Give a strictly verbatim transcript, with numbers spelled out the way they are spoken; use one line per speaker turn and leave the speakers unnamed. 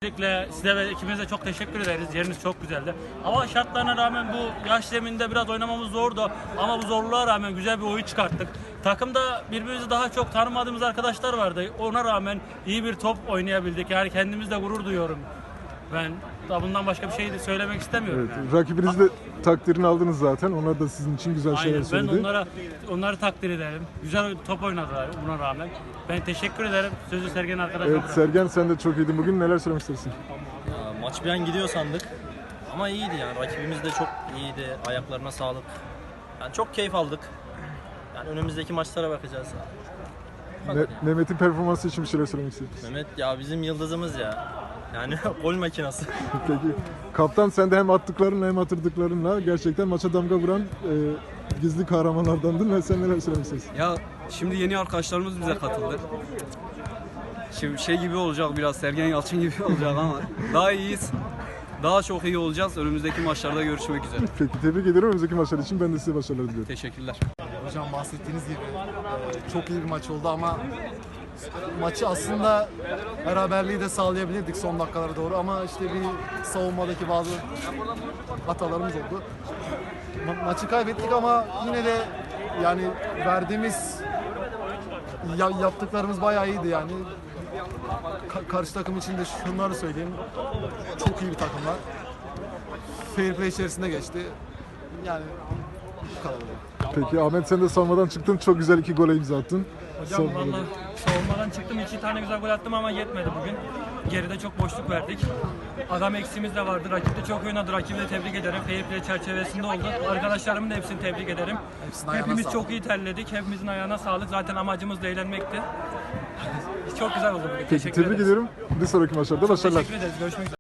Öncelikle size ve ekibinize çok teşekkür ederiz. Yeriniz çok güzeldi. Hava şartlarına rağmen bu yaş zeminde biraz oynamamız zordu. Ama bu zorluğa rağmen güzel bir oyun çıkarttık. Takımda birbirimizi daha çok tanımadığımız arkadaşlar vardı. Ona rağmen iyi bir top oynayabildik. Yani kendimizle gurur duyuyorum. Ben daha bundan başka bir şey de söylemek istemiyorum.
Evet,
yani.
rakibiniz de takdirini aldınız zaten. Onlar da sizin için güzel şeyler
Aynen, ben
söyledi.
onlara onları takdir ederim. Güzel top oynadılar buna rağmen. Ben teşekkür ederim. Sözü Sergen arkadaşıma
Evet
bırakıyorum.
Sergen, sen de çok iyiydin bugün. Neler söylemek istersin?
Ya, maç bir an gidiyor sandık. Ama iyiydi yani. Rakibimiz de çok iyiydi. Ayaklarına sağlık. Yani çok keyif aldık. Yani önümüzdeki maçlara bakacağız.
Ne, Mehmet'in performansı için bir şeyler söylemek istedim.
Mehmet ya bizim yıldızımız ya. Yani gol makinası.
Peki. Kaptan, sen de hem attıklarınla hem atırdıklarınla gerçekten maça damga vuran e, gizli kahramanlardandın ve sen neler söylemek istersin?
Ya şimdi yeni arkadaşlarımız bize katıldı. Şimdi şey gibi olacak, biraz Sergen Yalçın gibi olacak ama daha iyiyiz. Daha çok iyi olacağız. Önümüzdeki maçlarda görüşmek üzere.
Peki, tebrik ediyorum. Önümüzdeki maçlar için ben de size başarılar diliyorum.
Teşekkürler.
Hocam bahsettiğiniz gibi e, çok iyi bir maç oldu ama maçı aslında beraberliği de sağlayabilirdik son dakikalara doğru ama işte bir savunmadaki bazı hatalarımız oldu. Ma- maçı kaybettik ama yine de yani verdiğimiz ya- yaptıklarımız bayağı iyiydi yani. Ka- karşı takım için de şunları söyleyeyim. Çok iyi bir takımlar. Fair play içerisinde geçti. Yani bu kadar.
Peki Ahmet, sen de savunmadan çıktın. Çok güzel iki gole imza attın.
Hocam
Savunmada.
valla savunmadan çıktım. iki tane güzel gol attım ama yetmedi bugün. Geride çok boşluk verdik. Adam eksiğimiz de vardı. Rakip de çok oynadı. Rakibi de tebrik ederim. Fair play çerçevesinde oldu. Arkadaşlarımın da hepsini tebrik ederim.
Hepsinin ayağına
Hepimiz
sağlık.
çok iyi terledik. Hepimizin ayağına sağlık. Zaten amacımız da eğlenmekti. Çok güzel oldu bugün.
Peki,
Teşekkür
tebrik
ederiz.
ediyorum. Bir sonraki maçlarda başarılar.
Teşekkür ederiz. Görüşmek üzere.